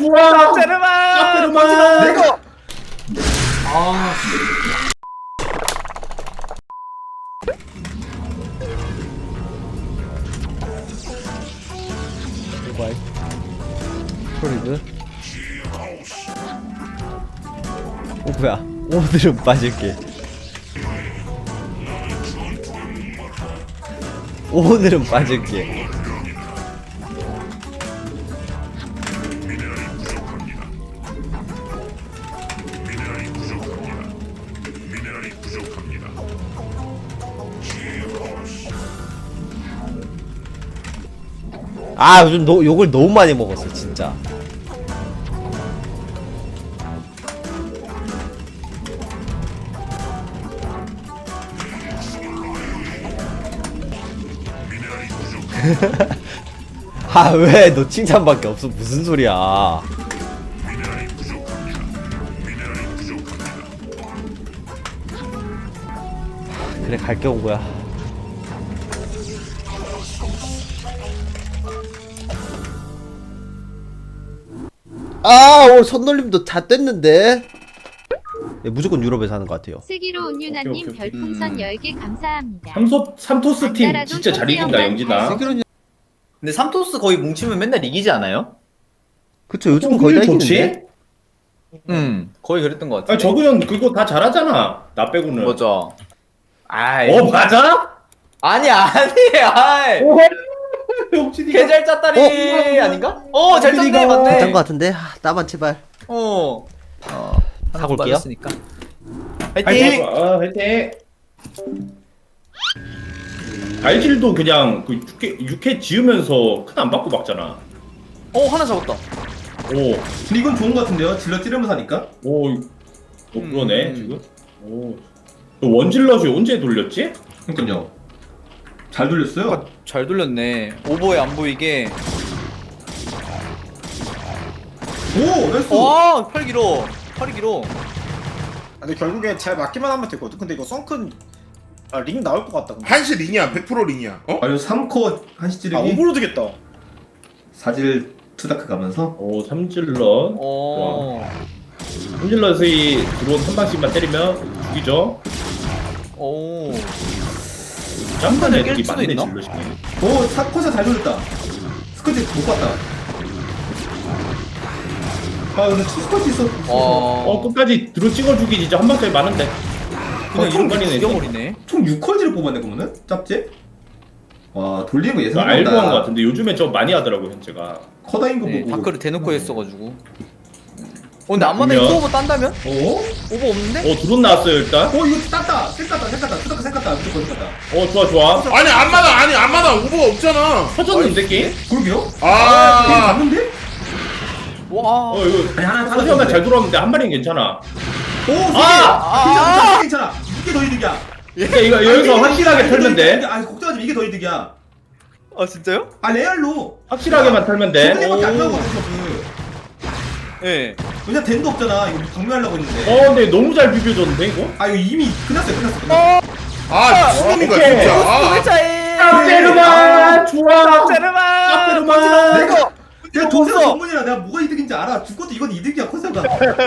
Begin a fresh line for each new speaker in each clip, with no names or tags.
좋아.
제르마.
내가.
아.
모바일 프로리그. 뭐야, 오늘은 빠질게. 오늘은 빠질게. 아, 요즘 욕을 너무 많이 먹었어 진짜. 아, 왜 너 칭찬밖에 없어? 무슨 소리야? 그래, 갈게 온 거야. 아, 오늘 손놀림도 다 뗐는데. 예, 무조건 유럽에서 하는 것 같아요.
슬기로 온유나님
오케이.
별풍선 10개 감사합니다.
삼토스 팀 진짜 잘 이긴다 영진아.
근데 삼토스 거의 뭉치면 맨날 이기지 않아요?
그쵸, 요즘은 거의 다 이기는데.
거의 그랬던 것 같아.
아 저그 형 그거 다 잘하잖아. 나 빼고는.
맞아. 아이.
어 맞아?
아니.
영진이가.
개잘 짰다리 아닌가? 잘 짰네
영진이가.
맞네.
괜찮은 것 같은데. 아, 나만 제발.
화이팅.
사골게요.
화이팅.
화이팅. 알질도 그냥 그 6회 지으면서 큰 안 받고 막잖아.
하나 잡았다.
오,
근데 이건 좋은 것 같은데요? 질러 찌르면서 하니까?
오, 그러네 지금. 오, 너 원질럿이 언제 돌렸지?
그니까요. 잘 돌렸어요.
잘 돌렸네. 오버에 안 보이게.
오! 나이스!
팔 길어. 팔이 길어.
근데 결국에 잘 맞기만 하면 되거든. 근데 이거 썬큰 링 나올 것 같다. 근데.
한시 링이야 100% 링이야 어?
아유 3코 한시
아
찌르기
오버로 되겠다.
사질 투다크 가면서
오, 삼질럿. 삼질럿이 들어온 한 방씩만 때리면 죽이죠. 짬만
깰
애들이
수도
많네
있나?
질럿이.
오! 4코사 잘 돌렸다. 스커지 못 봤다. 아 근데 투스커지 있어.
끝까지 들어 찍어주기 진짜 한 방까지 많은데.
그냥
이런
이렇게
거리네.
죽여버리네.
총 6컬지를 뽑았네 그러면은? 짭제? 와 돌리는 거
나 알고 한 거
예상한다.
같은데 요즘에 좀 많이 하더라고 현재가.
커다인 거
네,
보고
다크를 대놓고 했어가지고. 근데 안마다
그러면-
오버 딴다면?
어?
오버 없는데?
드론 나왔어요 일단.
이거 땄다! 쌩 깠다 투다크 쌩 깠다 무조건 깠다.
좋아.
아니 안마다 오버가 없잖아
터졌는데 게임?
그러게요? 게임
아
갔는데?
와.
이거
아니 하나
터지면
땄는데.
잘 돌아오는데 한 마리는 괜찮아.
오! 3개! 괜찮아! 이게 더 이득이야!
그러니까 이거 여기서 확실하게 털면 돼.
아 걱정하지 마 이게 더 이득이야.
진짜요?
아 레알로
확실하게만 털면 돼.
저번에밖에 안 나오거든 그.
예.
왜냐 덴도 없잖아. 이거 방류하려고 했는데.
근데 너무 잘 비벼줬는데 이거?
아 이거 이미 끝났어요.
아 미친놈인가
오케이.
진짜 아
차이.
짭제르마 좋아.
제르마.
짭제르마.
내가 동생 전문이라 내가 뭐가 이득인지 알아. 죽어도 이건 이득이야 컨셉가.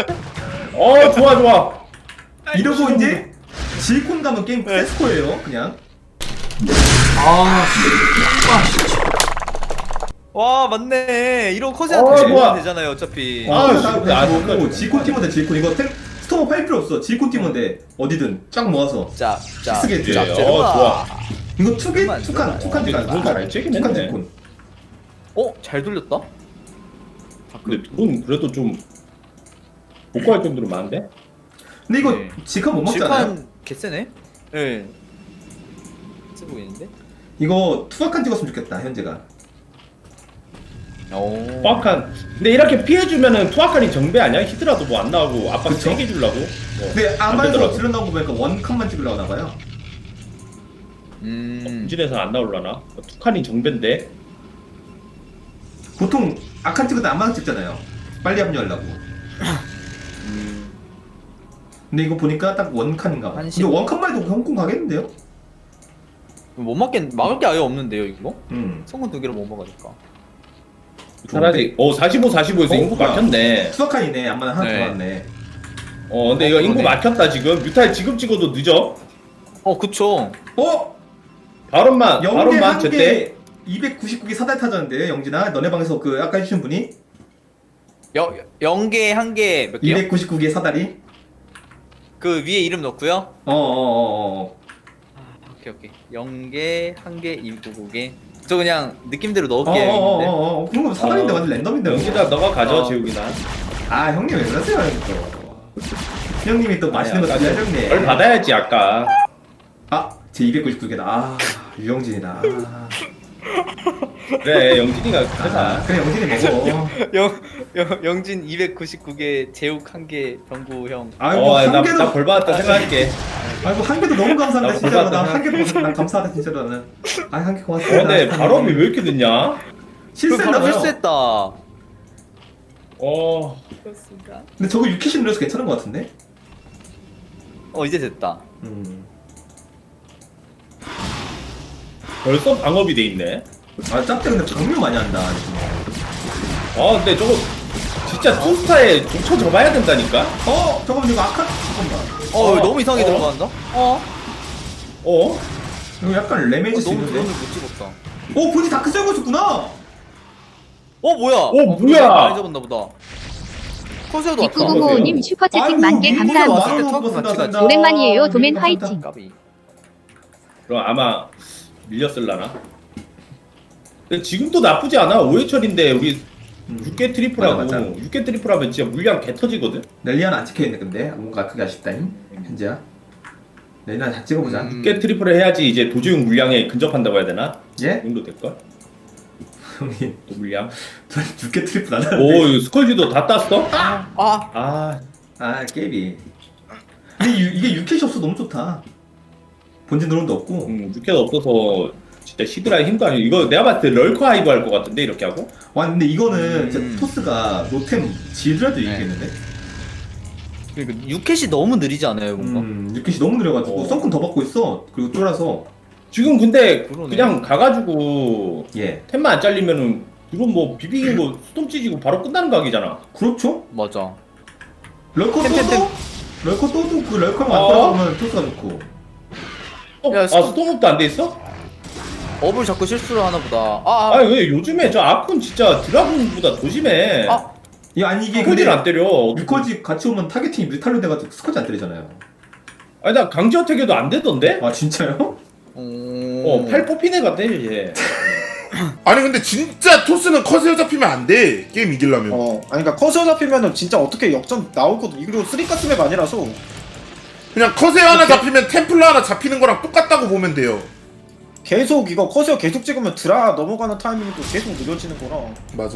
좋아.
이러고 이제 질콘 가면 게임 세스코예요. 그냥.
와 맞네. 이런
좋아.
컷이한테 되잖아요 어차피.
보고 질콘 팀원데 질콘 이거 스토머 팔 필요 없어. 질콘 팀원데 어디든 쫙 모아서
자.
쓰게 돼.
좋아.
이거 투개
잠깐만,
투칸
잠깐만.
투칸
잘 째긴
투칸
했네.
질콘.
잘 돌렸다.
근데 그건 그래도 좀 복구할 정도로 많은데?
근데 이거
네.
질칸 못 먹잖아요.
질판 개쎄네. 예. 세 보이는데?
이거 투박한 찍었으면 좋겠다 현재가.
투악한. 근데 이렇게 피해주면은 투악한이 정배 아니야? 히드라도 뭐 안 나오고 아빠
그쵸?
세게 주려고.
근데
안
아마에서
되더라고.
질러 나온 거 보니까 원칸만 찍으려고 하나봐요.
본진에서 안 나올라나? 투칸이 정배인데.
보통 아칸 찍을 때 아마만 찍잖아요. 빨리 합류하려고. 근데 이거 보니까 딱 원칸인가 봐.
한시-
근데 원칸만 해도 홍콩 가겠는데요?
못 막을 게 아예 없는데요 이거?
음.
성공 두 개를 못 막으니까.
차라리 45에서 인구
뭐야.
막혔네.
수석칸이네. 안마나 하나
네.
더 왔네.
근데 이거 인구
그러네.
막혔다 지금. 뮤탈 지금 찍어도 늦어.
그쵸.
바론만
영계 한
제때.
개 299개 사달 타졌는데 영진아 너네 방에서 그 아까 해주신 분이
영계 한 개 몇 개요?
299개 사다리.
그 위에 이름 넣고요. 오케이. 영계 한 개 299개. 저 그냥 느낌대로 넣을게요. 형님들.
그런 거 사다리인데 완전 랜덤인데.
영기다 너가 가져
어.
재욱이나.
아 형님 왜 그러세요 또. 형님이 또 맛있는 거
아니,
준비하셨네.
별 받아야지 아까.
제 299개다. 유영진이다.
그래 영진이가 가자.
그래 영진이 먹어.
영진 299개, 제욱 한 개, 병구 형.
아이고 한 개도
나벌 받았다 생각할게.
아이고 한 개도 너무 감사합니다
나
진짜로.
골랐다.
난 한 개도 난 감사하다 진짜로 나는. 한 개 고맙습니다.
근데 발업이 왜 이렇게 늦냐?
실수했나
바로
봐요.
실수했다. 그렇습니다.
근데 저거 6캐시 눌러서 괜찮은 것 같은데?
이제 됐다.
벌써 방업이 돼 있네.
짭대 근데 장면 많이 한다.
근데 저거 진짜 투스타에 조쳐 접어야 된다니까.
잠깐만 이거 아카 잠깐만.
너무 이상하게 들어간다.
어?
이거 약간 레메이지
너무
있는데.
드론을 못 찍었다.
본지 다크 썰고 있었구나.
뭐야?
뭐야?
많이 잡았나 보다. 커세어도 왔다.
6995님 슈퍼채팅
아이고,
만개
민구가
감사합니다.
만원
턱
먹었습니다.
같이
감사합니다.
오랜만이에요. 도맨
민구
화이팅.
감사합니다.
까비.
그럼 아마 밀렸을라나? 근데 지금도 나쁘지 않아. 5회철인데 우리 6개 트리플하고
맞아.
6개 트리플하면 진짜 물량 개 터지거든.
넬리아는 안 찍혀있네 근데 뭔가 그게 아쉽다잉 현재야. 넬리아 다 찍어보자.
6개 트리플을 해야지 이제 도지용 물량에 근접한다고 해야 되나?
예?
그 정도 될걸?
형님
또 물량.
저 6개 트리플 안
오
하는데.
이거 스컬지도 다 땄어?
아,
깨비. 근데 이게 6캐시 없어 너무 좋다. 본진 드론도 없고.
6개가 없어서 진짜 시드라의 힘도 아니고 이거 내가 봤을 때 럴커 하이브 할 것 같은데 이렇게 하고?
와 근데 이거는 진짜 토스가 노템 지더라도 이기겠는데?
그러니까 6캣이 너무 느리지 않아요, 뭔가?
6캐시 너무 느려가지고
어.
썬큰 더 받고 있어. 그리고 쫄아서.
지금 근데
그러네.
그냥 가가지고
예.
템만 안 잘리면은 드론 뭐 비비긴 거 수동 찢이고 바로 끝나는 각이잖아.
그렇죠?
맞아.
럴커
템.
또도? 럴커 또도 그 럴커만 안
어?
따라가면 토스가 좋고.
야,
스톰업도 안 돼 있어?
업을 자꾸 실수를 하나 보다.
아니 왜 요즘에 저 아콘 진짜 드라군보다 더 심해.
아니 이게
스커지를 안 때려.
뮤커지 같이 오면 타겟팅이 뮤탈로 돼가지고 스커지 안 때리잖아요.
아니 나 강제 어택에도 안 되던데?
아 진짜요?
팔 뽑힌 애 같아 얘.
아니 근데 진짜 토스는 컷에 잡히면 안 돼. 게임 이기려면.
아니 그러니까 커서 잡히면은 진짜 어떻게 역전 나오거든. 이거 3가스 맵 아니라서
그냥 컷에 하나 잡히면 템플러 하나 잡히는 거랑 똑같다고 보면 돼요.
계속 이거 커서 계속 찍으면 드라 넘어가는 타이밍도 계속 느려지는 거라.
맞아.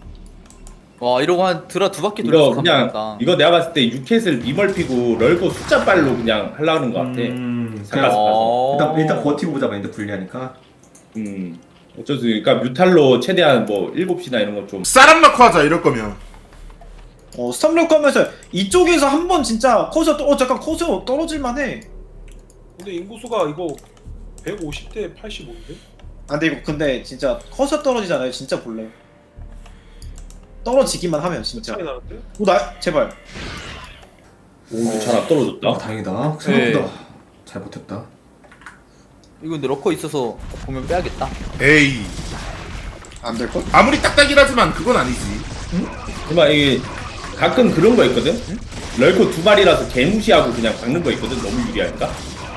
와, 이러고 한 드라 2바퀴
이거
돌려서
그냥
감사합니다.
이거 내가 봤을 때 6캣을 미멀피고 럴거 숫자 빨로 그냥 하려는 것 같아.
그냥
잠깐.
일단 버티고 보자 마인드 불리하니까.
어쩔 수 그러니까 뮤탈로 최대한 뭐 7시나 이런 거 좀.
싸람 넣고 하자 이럴 거면.
스탑력 하면서 이쪽에서 한번 진짜 커서 잠깐 커서 떨어질만해.
근데 인구수가 이거 150대 85인데?
근데 이거 근데 진짜 커서 떨어지잖아요. 진짜 볼래. 떨어지기만 하면 진짜.
차이 나는데?
제발.
오, 잘 안 떨어졌다.
다행이다. 생각보다 잘 버텼다.
이거 근데 러커 있어서 보면 빼야겠다.
에이.
안 될 걸?
아무리 딱딱이라지만 그건 아니지.
정말 이게 가끔 그런 거 있거든. 럴코 2마리라서 개무시하고 그냥 박는 거 있거든. 너무 유리하니까.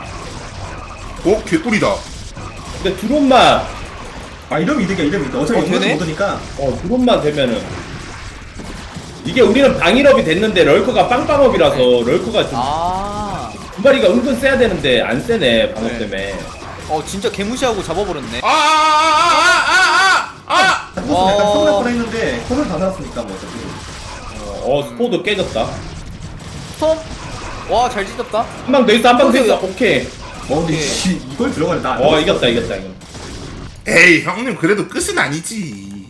개꿀이다.
근데 드론만
이러면 이득이야. 어차피 영광
되네?
못 오니까.
드론만 되면은 이게 우리는 방일업이 됐는데 럴커가 빵빵업이라서 럴커가 좀 2마리가 은근 세야 되는데 안 세네 방업 때문에.
진짜 개무시하고 잡아버렸네.
토스 약간 서운할 뻔했는데 커서 다 살았으니까 뭐 어차피.
스포도 깨졌다.
스톰? 와, 잘 찢었다.
한 방 더 있어, 한 방 더 있어. 오케이.
근데 이걸 들어가네.
이겼다 이거.
에이 형님 그래도 끝은 아니지.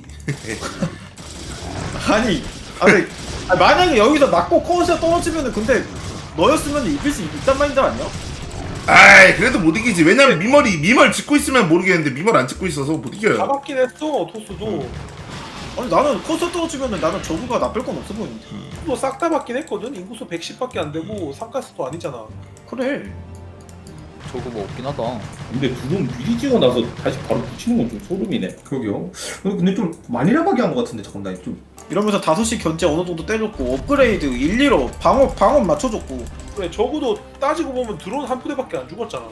아니 만약에 여기서 맞고 커서 떨어지면은 근데 너였으면 이길 수 있단 마인드 아니야?
아이 그래도 못 이기지. 왜냐면 미멀 짓고 있으면 모르겠는데 미멀 안 짓고 있어서 못 이겨요.
잡았긴 했어 토스도.
아니 나는 커서 떨어지면은 나는 저구가 나쁠 건 없어 보이는데.
또 싹 다 받긴 했거든. 인구수 110밖에 안 되고 상가스도 아니잖아.
그래.
저거 뭐 없긴 하다.
근데 두 번 미리 찍어 나서 다시 바로 붙이는 건 좀 소름이네.
그러게요. 근데 좀 많이 나가게 한 것 같은데 잠깐 나 좀.
이러면서 5시 견제 어느 정도 때렸고 업그레이드 1, 2로 방어 맞춰줬고.
그래 적어도 따지고 보면 드론 한 부대밖에 안 죽었잖아.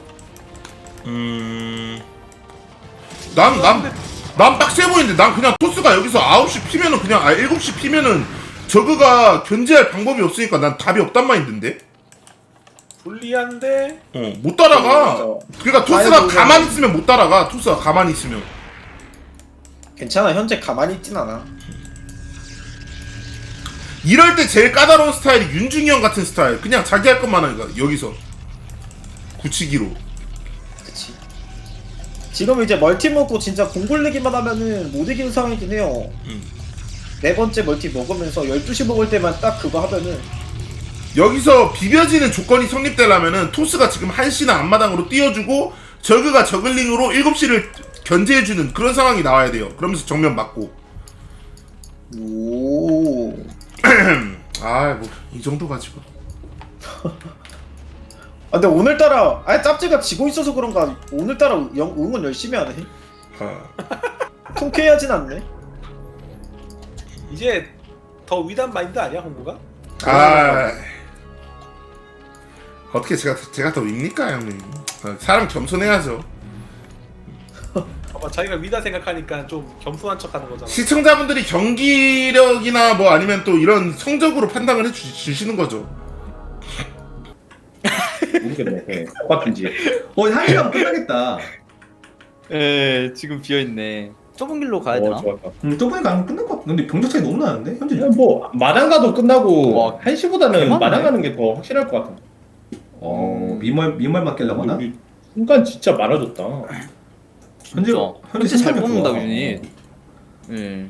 난 빡세 보이는데 난 그냥 토스가 여기서 9시 피면은 그냥 7시 피면은 저그가 견제할 방법이 없으니까 난 답이 없단 마인드인데.
불리한데
못 따라가. 그러니까 토스가
아이고,
가만히 있으면 못 따라가. 토스가 가만히 있으면.
괜찮아 현재 가만히 있진 않아.
이럴 때 제일 까다로운 스타일이 윤중이 형 같은 스타일. 그냥 자기 할 것만 하니까 여기서 굳히기로.
그치. 지금 이제 멀티 먹고 진짜 공 굴리기만 하면은 못 이기는 상황이긴 해요. 네 번째 멀티 먹으면서 12시 먹을 때만 딱 그거 하면은
여기서 비벼지는 조건이 성립되려면은 토스가 지금 1시나 앞마당으로 띄워주고 저그가 저글링으로 7시를 견제해주는 그런 상황이 나와야 돼요. 그러면서 정면 맞고.
오.
아, 뭐 이 정도 가지고.
아 근데 오늘따라 짭지가 지고 있어서 그런가 오늘따라 응원 열심히 하네. 통쾌하진 않네.
이제 더 위단 마인드 아니야 홍구가?
아, 어떻게 제가 더 윗니까 형님? 사람 겸손해야죠.
아마 자기가 위다 생각하니까 좀 겸손한 척하는 거잖아.
시청자분들이 경기력이나 뭐 아니면 또 이런 성적으로 판단을 해주시는 거죠.
모르겠네. 네, 똑같은지.
1시간 끝나겠다.
예, 지금 비어 있네. 좁은 길로 가야 되나?
좋았다.
저번에 가면 끝날 것 같은데 병력 차이 너무 나는데 현재.
그냥 뭐 마당 가도 끝나고
와,
1시보다는
대박이네.
마당 가는 게 더 확실할 것 같은데.
민말 맡기려고 하나?
우리 순간 진짜 많아졌다.
현재
현재 잘
생각이
뽑는다
좋아.
유닛. 예.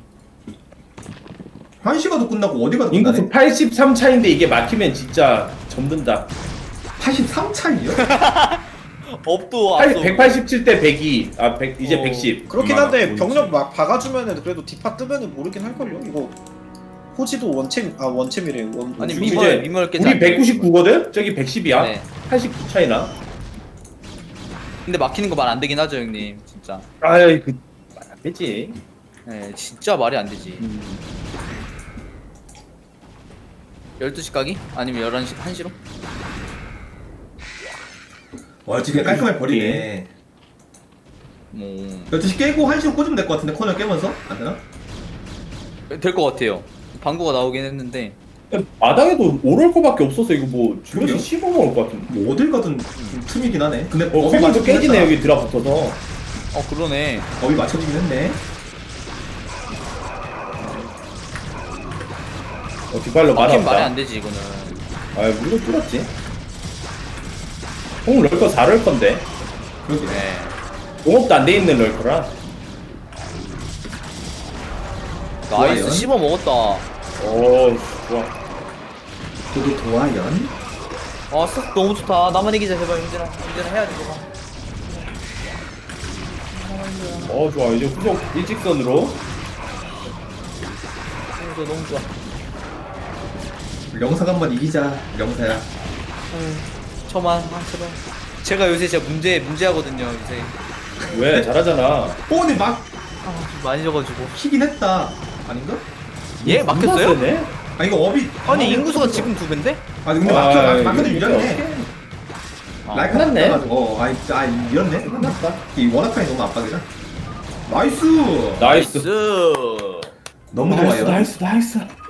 1시 가도 끝나고 어디 가도
인구수
끝나네.
83 차인데 이게 막히면 진짜 접는다.
83 차이요?
업도 앞서.
187대 102. 아, 100, 이제 110.
그렇긴
얼마나
한데
보이지?
병력 막 박아주면은 그래도 디파 뜨면은 모르긴 할걸요. 이거 호지도 원챔이래.
아니
지금
미멀
이제
미멀 깨.
우리 199거든? 저기 110이야.
네.
89 차이나.
근데 막히는 거 말 안 되긴 하죠 형님. 진짜.
아이 그 말 안 되지.
예, 진짜 말이 안 되지. 12시 가기? 아니면 11시, 1시로?
와 지금 깔끔하게 버리네.
뭐
12시 깨고 1시로 꽂으면 될 것 같은데 코너 깨면서? 안 되나?
될 것 같아요. 방구가 나오긴 했는데.
마당에도 오를 거밖에 없어서 이거 뭐 주변에
그러게요.
씹어 먹을 것 같은데.
뭐 어딜 가든 좀 틈이긴 하네. 근데
커맨도 깨지네 여기 들어붙어서.
그러네.
업이 맞춰지긴 했네.
뒷발로
막힌 말이
말았다.
안 되지 이거는.
아 우리도 뚫었지. 형 럴커 4럴 건데.
그러게.
네.
공업도 안 돼 있는 럴커라.
나이스
좋아요.
씹어 먹었다.
오 좋아.
저도 도화연.
쓱 너무 좋다. 나만 이기자 제발 윤진아. 윤진아 해야지 저거.
좋아 이제 후속 일직선으로.
너무 좋아.
영사가 한번 이기자. 영사야.
저만 제발. 제가 요새 진짜 문제하거든요 요새.
왜 잘하잖아.
근데 막
좀 많이 져가지고.
키긴 했다. 아닌가?
예 막혔어요?
세네?
아 이거 업이.
아니 인구수가 지금 2배인데?
아 근데 막혀도 유리하네. 라이카
끝났네.
나가지고. 이겼네. 끝났다. 이 워낙카이 너무 압박이다. 나이스.
나이스.
너무 좋아요.
나이스.